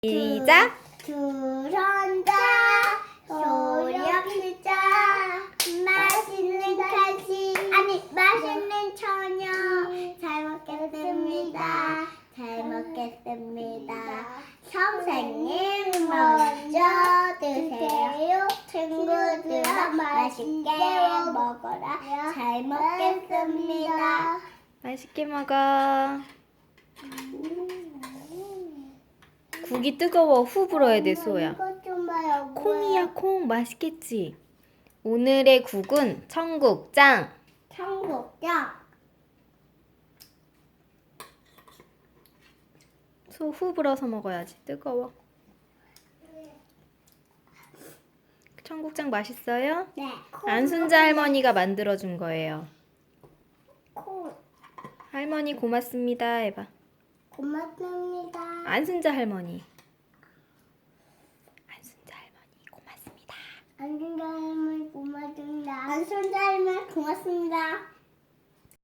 시작! 두런다 소렵시자 맛있는 간식 아니 맛있는 저녁 잘 먹겠습니다. 잘 먹겠습니다. 선생님 먼저 드세요. 친구들아 맛있게 먹어라. 잘 먹겠습니다. 맛있게 먹어. 국이 뜨거워. 후 불어야 돼, 수호야. 이것 좀 봐요. 콩이야, 콩. 맛있겠지? 오늘의 국은 청국장. 청국장. 소 후 불어서 먹어야지. 뜨거워. 청국장 맛있어요? 네. 안순자 할머니가 만들어준 거예요. 콩. 할머니 고맙습니다. 해봐. 고맙습니다. 안순자 할머니. 안순자 할머니 고맙습니다. 안순자 할머니 고맙습니다. 안순자 할머니 고맙습니다.